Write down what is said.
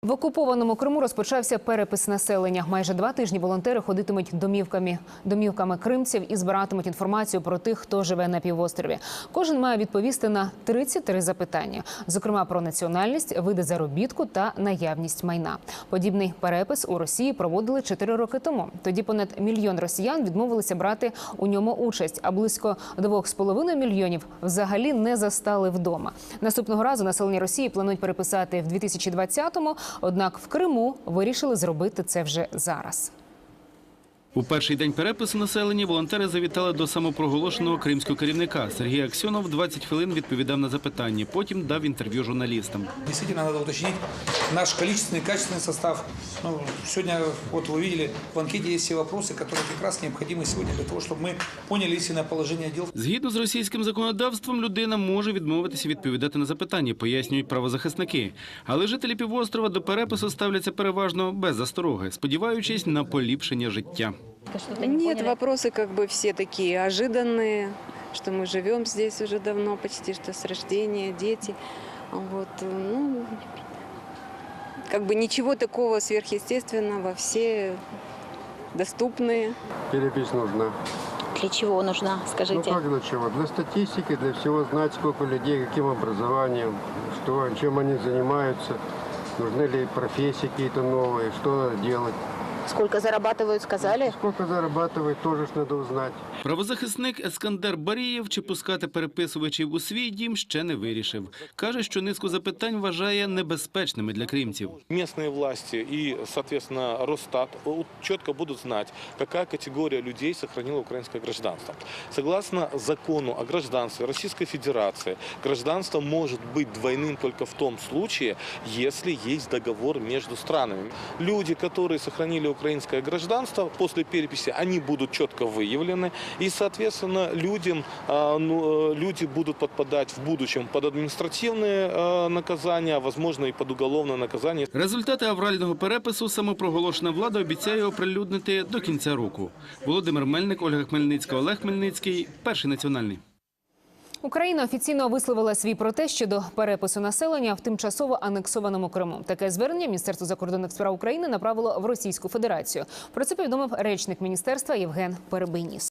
В окупованому Криму розпочався перепис населення. Майже 2 тижні волонтери ходитимуть домівками кримців і збиратимуть інформацію про тих, хто живе на півострові. Кожен має відповісти на 33 запитання, зокрема про національність, види заробітку та наявність майна. Подібний перепис у Росії проводили 4 роки тому. Тоді понад 1 мільйон росіян відмовилися брати у ньому участь, а близько 2,5 мільйонів взагалі не застали вдома. Наступного разу населення Росії планують переписати в 2020-му, однак в Криму вирішили зробити це вже зараз. У перший день перепису населення волонтери завітали до самопроголошеного кримського керівника. Сергій Аксьонов 20 хвилин відповідав на запитання, потім дав інтерв'ю журналістам. Дійсно, треба уточнити наш количественний, качественний состав. Сьогодні, от ви бачили, в анкеті є всі питання, які якраз необхідні сьогодні для того, щоб ми зрозуміли істинне положення справ. Згідно з російським законодавством, людина може відмовитися відповідати на запитання, пояснюють правозахисники. Але жителі півострова до перепису ставляться переважно без застороги, сподіваючись на поліпшення життя. Нет, вопросы как бы все такие ожиданные, что мы живем здесь уже давно, почти что с рождения, дети. Вот, ну, как бы ничего такого сверхъестественного, все доступные. Перепись нужна. Для чего нужна, скажите? Ну как для чего? Для статистики, для всего знать, сколько людей, каким образованием, что, чем они занимаются, нужны ли профессии какие-то новые, что надо делать. Сколько зарабатывают, сказали? Сколько зарабатывают, тоже ж надо узнать. Правозахисник Ескандер Барієв чи пускати переписувачів у свій дім ще не вирішив. Каже, що низку запитань вважає небезпечними для кримців. Местные власти и, соответственно, Росстат четко будут знать, какая категория людей сохранила украинское гражданство. Согласно закону о гражданстве Российской Федерации, гражданство может быть двойным только в том случае, если есть договор между странами. Люди, которые сохранили украинское гражданство, после переписи они будут четко выявлены, и, соответственно, люди будут подпадать в будущем под административные наказания, а, возможно, и под уголовное наказание. Результати аврального перепису самопроголошена влада обіцяє оприлюднити до кінця року. Володимир Мельник, Ольга Хмельницька, Олег Хмельницький. Перший національний. Україна офіційно висловила свій протест щодо перепису населення в тимчасово анексованому Криму. Таке звернення Міністерство закордонних справ України направило в Російську Федерацію. Про це повідомив речник міністерства Євген Перебийніс.